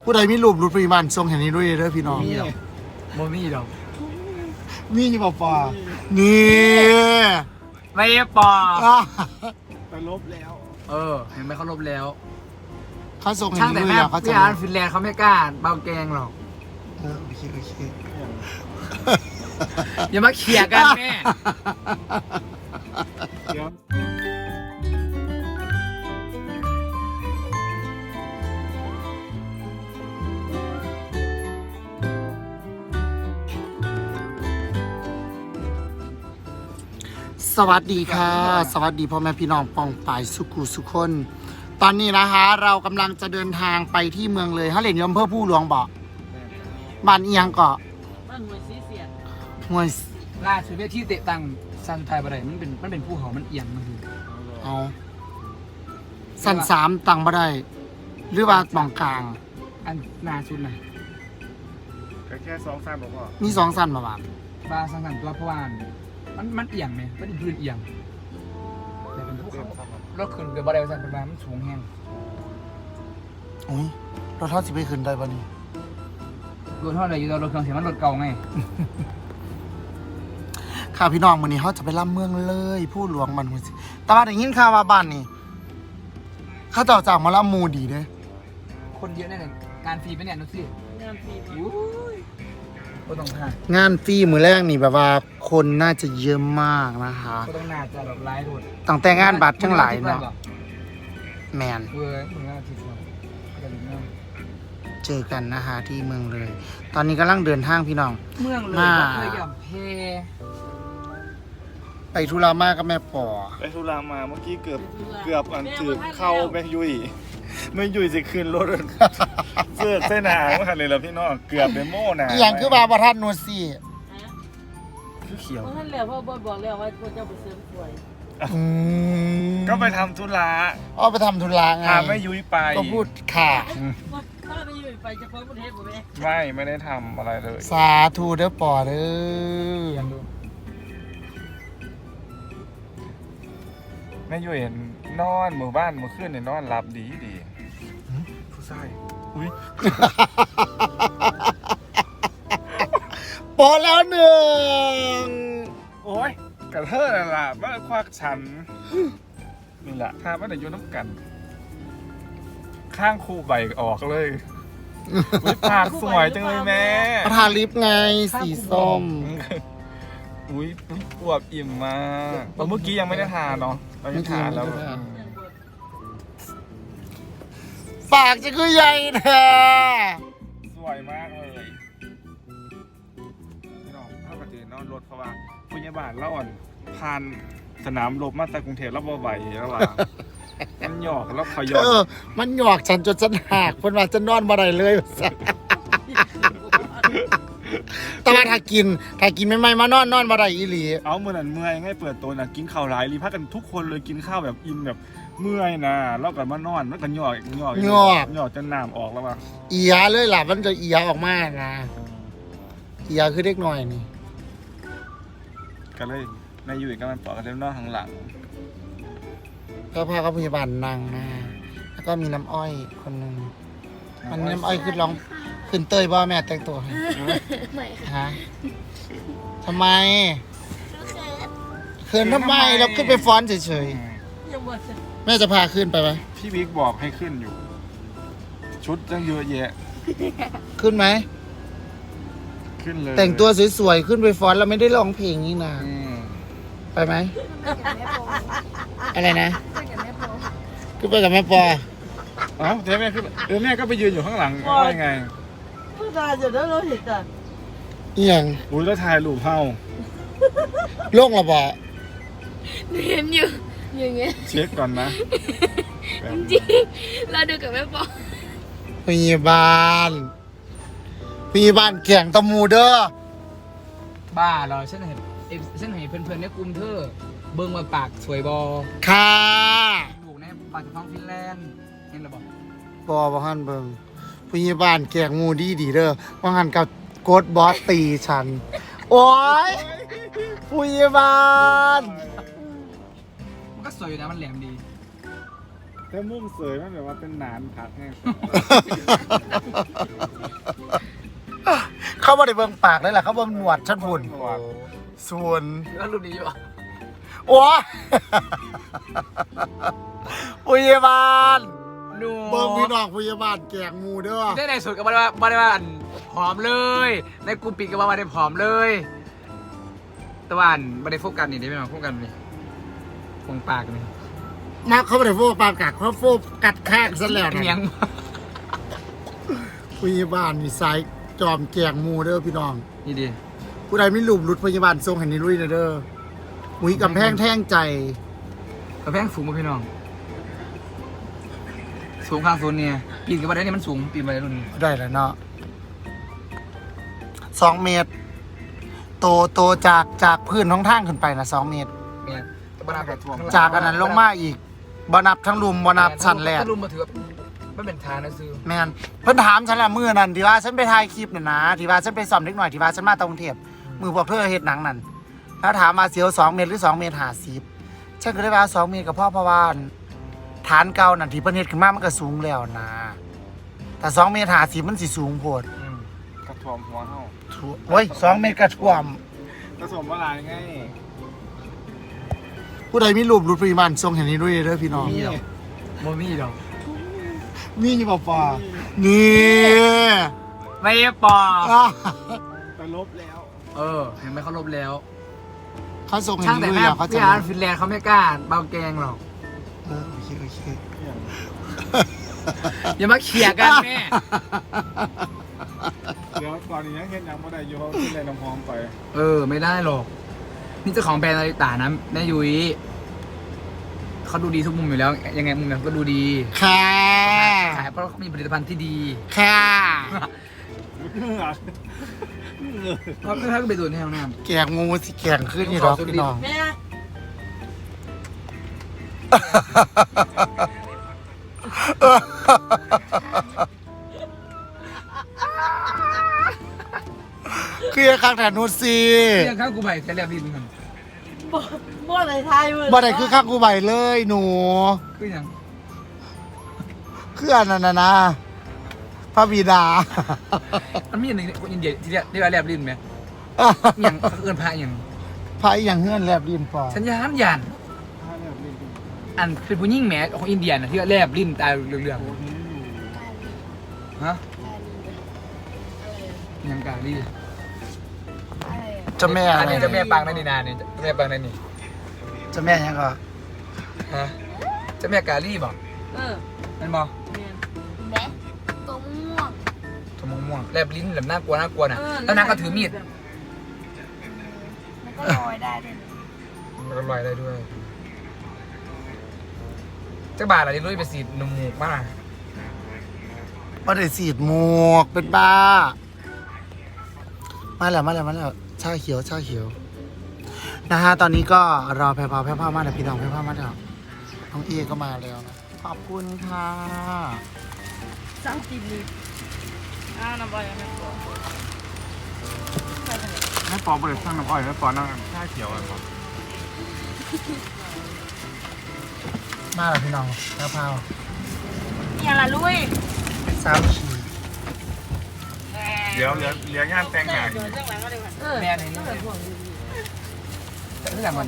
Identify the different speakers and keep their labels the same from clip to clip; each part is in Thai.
Speaker 1: ผู้ใดมีรูปรุดปริมาณทรงแห่งนี้ด้วยเด้อพี่น้อง
Speaker 2: มีดอกโมมีดอก
Speaker 1: มีอยู่ป่านี่
Speaker 2: ไม่ปอ
Speaker 3: ไปลบแล้ว
Speaker 2: เห็นไหมเขาลบแล้ว
Speaker 1: เขาส่งแห่
Speaker 2: ช่าง ง
Speaker 1: นี้
Speaker 2: แต่
Speaker 1: ด้วย
Speaker 2: แม่
Speaker 1: เหรอเขาจะ
Speaker 2: พี่อาร์ตฟินแลนด์เขาไม่กล้าเบาแกงหรอก
Speaker 1: โอเค
Speaker 2: อย่ามาเขี่ยกันแม่
Speaker 3: เดี๋ยว
Speaker 1: สวัสดีค่ะ สวัสดีพ่อแม่พี่น้องปองปายสุขุสุคน ตอนนี้นะคะเรากำลังจะเดินทางไปที่เมืองเลยฮะเหรียญยมเพื่อผู้หลวงบอกบ้านเอียงเกาะ
Speaker 4: บ้านหน่วยซีเสียน
Speaker 1: ห่วย
Speaker 2: ล่าสุดเวทีเตะตังซันไทยบะไรมันเป็นภูเขามันเอียงมันคือ
Speaker 1: เอาสั้นสามตังบ่ได้ หรือว่าตองกลาง
Speaker 2: อันนาชุดนะ
Speaker 3: แค่2-3บอกว่า
Speaker 1: มีสองสั้นมาบ้าง
Speaker 2: บาสังสันตัวเพราะว่ามันเอียงไหมมันเป็นพื้นเอียงแต่เป็นภูเขารถขึ้นเกิดบะไรสันเป็นมันสูงแห้ง
Speaker 1: โอ้ยเราเท่าสิไปขึ้นได้ปะนี่
Speaker 2: รถเท่าไหร่อยู่ตัวรถเครื่องเสียงมันรถเก่าไง
Speaker 1: ค่ะพี่น้องวันนี้เขาจะไปล่ำเมืองเลยผู้หลวงมันหัวสิแต่ว่าได้ยินข่าวว่าบ้านนี่เขาต่อจากมาล่ำมูดีเด้
Speaker 2: คนเยอะแน่เลยงานฟรีไหมเนี่ยนุ๊กซี่
Speaker 4: งานฟรี
Speaker 2: ก็ต้องหาง
Speaker 1: านฟรีมือแรกนี่แบบว่าคนน่าจะเยอะมากนะคะ
Speaker 2: ก็ต้องน่าจะแบบไล่โดด
Speaker 1: ตั้งแต่งานบัตรทั้งหลายเนาะแมน
Speaker 2: เว้ยมึงน่าทิศว่าก็เลยเนาะ
Speaker 1: เจอกันนะคะที่เมืองเลย ตอนนี้กำลังเดินทางพี่น้อง
Speaker 2: เมืองเลย
Speaker 1: มา
Speaker 2: ก็เคยหย่อมเพ
Speaker 1: ไปธุระมากกับแม่ปอ
Speaker 3: ไปทุรามาเมื่อกี้เกือบอันถือเข้าแม่ยุยไม่ยุยจะขึ้นรถเสื้อเส้นหางมาเลยแล้วพี่น้องเกือบเป็นโม่หนา
Speaker 1: อหย่างคือบาบทัดนูซี่
Speaker 3: คือเขียว
Speaker 4: เพราะท่านแล้วพ่อบอยบอกแล้วว่าควรจะไปเสริมสวย
Speaker 3: ก็ไปทำธุระ
Speaker 1: อ้อไปทำธุระไง
Speaker 3: พาแม่ยุยไป
Speaker 1: ก็พูดค่ะ
Speaker 4: ถ้าไปอยู่ไปจะพ้นประเทศผมเอง
Speaker 3: ไม่ได้ทำอะไรเลย
Speaker 1: สาธุเด้อปอเด้อ
Speaker 3: แม่ยุยเห็นนอนหมู่บ้านเมื่อคืนเนี่ยนอนหลับดีผู้ชายอุ้ย
Speaker 1: ปอแล้วหนึ่ง
Speaker 3: โอ้ยกระเทอะนั่นล่ะมาควักฉันนี่แหละถ้าไม่ได้อยุ่น้ำกัน ข้างคู่ใบออกเลยอุ๊ยปากสวยจังเลยแม่
Speaker 1: ทาลิปไงสีส้ม
Speaker 3: อุ้ยอวบอิ่มมากเมื่อกี้ยังไม่ได้ทานเนาะเราจะทานแล้ว
Speaker 1: ปากจะคือใหญ่แท้
Speaker 3: สวยมากเลยพี่น้องถ้าปกตินอนรถเพราะว่าพยาบาลเราอ่อนผ่านสนามรบมาจากกรุงเทพแล้วบ่ไหวแล้วล่ะมันหยอกแล้วขยอ
Speaker 1: มันหยอกฉันจนฉันหักเพิ่นว่าจะนอนบ่ได้เลยแต่ว่าถ้ากินไม่มานอนบ่ได้อีหลี
Speaker 3: เอาเมื่อนั้นเมื่อยไงเปิดตัวน่ะกินข้าวหลายรีพักกันทุกคนเลยกินข้าวแบบอิ่มแบบเมื่อยนะแล้วก็มานอนแล้วก็หยอกจนน้ำออกแล้วว่ะ
Speaker 1: เอียเลยล่ะมันจะเอียออกมานะเอียคือเด็กหน่อยนี่
Speaker 3: ก็เลยนายอยู่กับมันปอกกันเล่นนอกข้างหลัง
Speaker 1: ก็พาเขาพยาบาลนางนะแล้วก็มีน้ำอ้อยคนหนึ่งมันน้ำอ้อยขึ้นเตยบ่แม่แต่งตัวให้
Speaker 5: ไม่ค่ะ
Speaker 1: ฮะทำไมเขินทำไมเราขึ้นไปฟ้อนเฉย
Speaker 4: ยังบ่จะ
Speaker 1: ๆแม่จะพาขึ้นไปไหม
Speaker 3: พี่บิ๊กบอกให้ขึ้นอยู่ ชุดตั้งเยอะแยะ
Speaker 1: ขึ้นไหม
Speaker 3: ขึ้นเลย
Speaker 1: แต่งตัวสวยๆขึ้นไปฟ้อนเราไม่ได้ร้องเพลงนี่นะ
Speaker 3: อืม
Speaker 1: ไปไหม
Speaker 5: กับแม่โป
Speaker 1: อะไรนะ
Speaker 5: กับแม่โป
Speaker 1: ขึ้นไปกับแม่ปอ
Speaker 3: เอ้าเจ๊แม่ขึ้นแม่ก็ไปยืนอยู่ข้างหลังว่าไง
Speaker 4: ผู้ชายจะได้รู้เหตุการณ์
Speaker 1: อีหยัง
Speaker 3: อุ้ยแล้วถ่ายรูปเฮา
Speaker 1: โล่งระบอ
Speaker 5: หนูเห็นอยู่อย่างเงี้ย
Speaker 3: เช็คก่อนนะแบบ
Speaker 5: จริงเราดูกับแม่โป
Speaker 1: พยาบาลแข่งตะมูเด้อ
Speaker 2: บ้าเหรอฉันเห็นเพื่อนๆในกลุ่มเธอเบิ่งมาปากสวยบอ
Speaker 1: ค่ะ
Speaker 2: ลูกในปากจะท้องฟินแลนด์เห็นหรือเปล่า
Speaker 1: ปอบ่ฮั่นเบิ่งพยาบาลแข่งงูดีเด้อว่าหันกับโกดบอสตีฉัน โอ้ยพยาบาล
Speaker 2: มันก็สวยอยู่นะมันแหลมดี
Speaker 3: แต่มุมเสยมันแบบว่าเป็นหนานผักไง
Speaker 1: เขาบ่ได้เบิ่งปากเลยล่ะเขาเบิ่งหนวดฉันพุ่นส่วน
Speaker 2: แล้วรูปนี้อยู่อ่ะ
Speaker 1: โอ้ยพยาบาล
Speaker 2: ดู
Speaker 1: เบิ่งพี่น้องพยาบาลแกงหมูเด้อ
Speaker 2: ได้ในสุดก็บ่ได้ว่าอันผอมเลยในกลุ่มปิดก็บ่ได้ผอมเลยแต่ว่าอันบ่ได้โฟกัสนี่ได้ไหมน้องโฟกัสนี่คงปากนี่
Speaker 1: มาเขาบ่ได้โฟกัสกัดเขาโฟกัสแข้งซะแล้ว
Speaker 2: เมีย
Speaker 1: นะ
Speaker 2: ง
Speaker 1: พยาบาลนี่สายจอมแกงหมูเด้อพี่น้อง
Speaker 2: นี่ดิ
Speaker 1: ผู้ใดไม่รูปหลุดพยาบาลทรงให้นี่ลุยเด้ออุ้ยกำแพงแท่งใจ
Speaker 2: กระแพงสูงมาพี่น้องสูงข้างโซนเนี่ยปีนกับบันไดนี่มันสูงปีนบันไดรุ่นนี้
Speaker 1: ได้แล้วเนาะ2 เมตร โตจากพื้นท้องทางขึ้นไปนะ2 เมตร
Speaker 2: เนี่ยแต่บันไดแบบ
Speaker 1: จากอันนั้นลงมาอีกบ่นับทั้งรุมบ่นับชั้นแรก
Speaker 2: ถ้ารุมมาถือว่าไม่เป็นทางนะซื้อ
Speaker 1: แม่นเพิ่นถามฉันละมื้อนั้นที่ว่าฉันไปถ่ายคลิปน่ะนะที่ว่าฉันไปซ่อมเล็กหน่อยที่ว่าฉันมาตรงเทพมือพวกเธอเฮ็ดหนังนั่นแล้วถามมาเสียว2 เมตรหรือ2 เมตร50ฉันก็เลยว่า2 เมตรกับพ่อเพราะว่าฐานเก่านั่นที่เพิ่นเฮ็ดขึ้นมามันก็สูงแล้วนะแต่2 เมตร50มันสิสูงโพด
Speaker 3: กระถ่วมหัวเฮา
Speaker 1: โอ้ย2 เมตรกระท่วม
Speaker 3: ผสมว่าลายไง
Speaker 1: ผู้ใดมีรูปหลุดปริมาณทรงเห็นนี้ด้วยเด้อพี่น้อง
Speaker 2: มีหรอโมมีหรอก
Speaker 1: มีอยู่บ่ปอนี่
Speaker 2: ไม่ปอ
Speaker 1: อ่ะ
Speaker 3: แต่ลบแล้ว
Speaker 2: เห็นไหมเขาลบแล้ว
Speaker 1: เขาส่งเห็น
Speaker 2: ช่างแต่
Speaker 1: นี้ด้วย
Speaker 2: แม่
Speaker 1: แล้วเขาจะ
Speaker 2: พี่อาร์ตฟินแลนด์เขาไม่กล้าเบาแกงหรอก
Speaker 1: โอเค
Speaker 2: อย่ามาเขี่ยกันแม่
Speaker 3: เดี๋ยวตอนนี้ยังเห็นยังไม่ได้อยู่เพราะขึ้นเลยน้ำหอมไป
Speaker 2: ไม่ได้หรอกนี่เจ้าของแบรนด์นาฬิตานะแม่ยุ้ยเขาดูดีทุกมุมอยู่แล้ว ยังไงมุมไหนก็ดูดี
Speaker 1: ค่ะ
Speaker 2: ขายเพราะเขามีผลิตภัณฑ์ที่ดี
Speaker 1: ค่ะ
Speaker 2: เพราะถ้าก็ไปดูในห้องน้
Speaker 1: แกงงูสิแกงขึ้นอยู่ดอกพี่น้อง
Speaker 4: แม่
Speaker 1: คือข้างแถวนู้นสิ
Speaker 2: ำเรื่องข้าวกูใบจะเรียบดินกัน
Speaker 4: บ่อะไรทายมือ
Speaker 1: บ่ได้คือข้างกูใบเลยหนู
Speaker 2: คืออย่าง
Speaker 1: คืออันนั้นนะพระบิดา
Speaker 2: มันมีอย่างหนึ่งคนอินเดียที่เรียกว่าเรียบดินไหมอย่างเอื้อนพระอย่าง
Speaker 1: พระอีหยังเฮือนแลบดินปอ
Speaker 2: สัญญาณยันอันเป็นผู้หญิงแหมของอินเดียนะที่ว่าแลบลิ้นตาเหลืองๆฮะยังกาลี
Speaker 5: อะไรอะ
Speaker 1: เจ้าแม่
Speaker 2: อั
Speaker 1: อะ
Speaker 2: น
Speaker 1: ไร
Speaker 2: นี้เจะแม่ปางนั่นนี่นาเนี่ยเจ้าแม่ปางนั่นนี่
Speaker 1: เจ้าแม่ยังก็
Speaker 2: ฮะเจ้าแม่กาลีบอก นั่นบอก
Speaker 5: แม่ตัวม่วง
Speaker 2: ตัวม่วงๆแลบลิ้นแบบน่ากลัวนะแล้วนางก็ถือมีด
Speaker 5: มันก็ลอยได้ด้วยนะ
Speaker 2: มันก็ลอยได้ด้วยเจ้าบาทอะไรลุยไปสีดนมหมูกมาก
Speaker 1: บ่ได้สีดหมวกเป็นบ้ามาแล้วชาเขียวนะฮะตอนนี้ก็รอแพรพาวมาแล้วพี่น้องแพรพาวมาแล้วน้องเอก็มาแล้วนะขอบคุณค่ะ
Speaker 4: สร้างกินลิฟน้ำบอยแม่ปอ
Speaker 3: แม่ปอบริษัทน้ำอ้อยแม่ปอนั่งชาเขียวอะไรปอ
Speaker 1: มาแล้วพี่น้องแพรพาว
Speaker 4: อย่าละลุย
Speaker 1: สามขี
Speaker 3: เดี๋ยวเหลืองานแต่งงาน
Speaker 4: เดี๋ยวเรื่องหลังก็ได้ค่ะ
Speaker 2: แม่นี่นี่แต่เรื่องมัน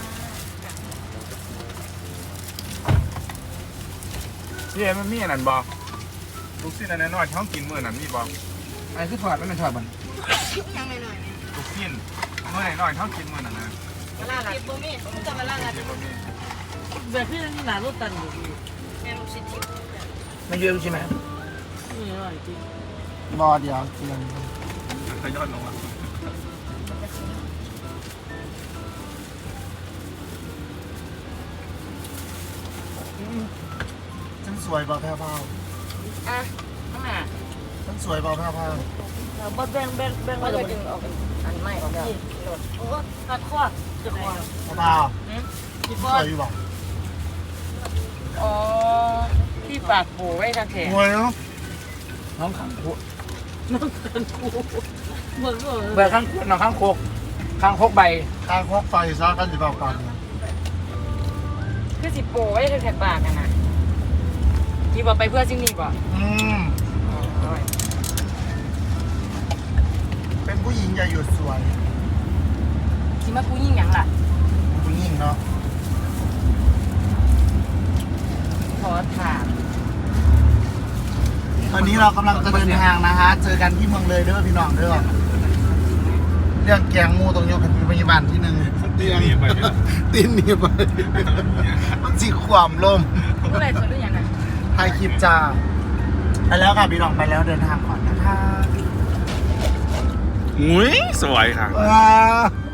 Speaker 3: พี่เอ็มมันมีอันนั้นบอกลูกชิ้นอันนั้นน้อยท้องกินมื้อนั้นมีบอก
Speaker 2: อะไรคือถอดมันถอดมัน
Speaker 3: ลูกชิ้นมื้อไหนน้อยท้องกินมื้อนั้นนะ
Speaker 4: มาล่ากินบ่มีผมจะมาล่ากัน
Speaker 3: เดี๋ยวบ่มี
Speaker 4: แบบที่หนารถตันอยู่แม่ลูกชิ้นทิพย์
Speaker 2: ไม่เยอะใช่ไหม
Speaker 4: นี่อร่อยจริง
Speaker 1: บอเดียวเกียน
Speaker 3: ทยอยลงมา
Speaker 1: ฉันสวยเปล่าแพรพาว
Speaker 4: อ่ะข้างหน้า
Speaker 1: ฉันสวยเปล่าแพรพาว
Speaker 4: บ่แบ่งมาเลยจึงออกอันใหม่ออกแล้วโอ้ตัดข้อจะคอ
Speaker 1: แพรพาว
Speaker 4: คิด
Speaker 1: ส
Speaker 4: ว่า
Speaker 1: วยอยู่เปล่า
Speaker 4: อ๋อที่ฝากโบไว้ทางแขน
Speaker 1: สวยเนาะ
Speaker 2: น้องขังคุ
Speaker 4: น้องกันกูเหมือนว่า
Speaker 2: เบอร์ข้างน้องข้างโคกข้างโคกใบ
Speaker 1: ข้างควักไฟซะกันจะเปล่ากัน
Speaker 4: คือสิโปไว้ทางแขนปากกันนะพี่บอกไปเพื่อสิ่งนี้ป่ะ
Speaker 1: เป็นผู้หญิงอย่าหยุดสวย
Speaker 4: คิดว่ากูยิ่งหยังล่ะ
Speaker 1: ผู้หญิงเนาะ
Speaker 4: ขอถาม
Speaker 1: ตอนนี้เรากำลังจะเดินทางนะฮะเจอกันที่เมืองเลยเด้อพี่น้องเด้อเรื่องแกงงูตรงยกเป็นพยาบาลที่หนึ่ง
Speaker 3: ตีนี่ไปไหมล่ะ
Speaker 1: ตีนหนี่ไปมันสีความลม
Speaker 4: เมื่อไหร่จะรู้อย่างนั้น
Speaker 1: ถ่ายคลิปจ้าไปแล้วค่ะพี่น้องไปแล้วเดินทางก่อนนะคะ
Speaker 3: อุ้ยสวยค่ะ
Speaker 1: ว้า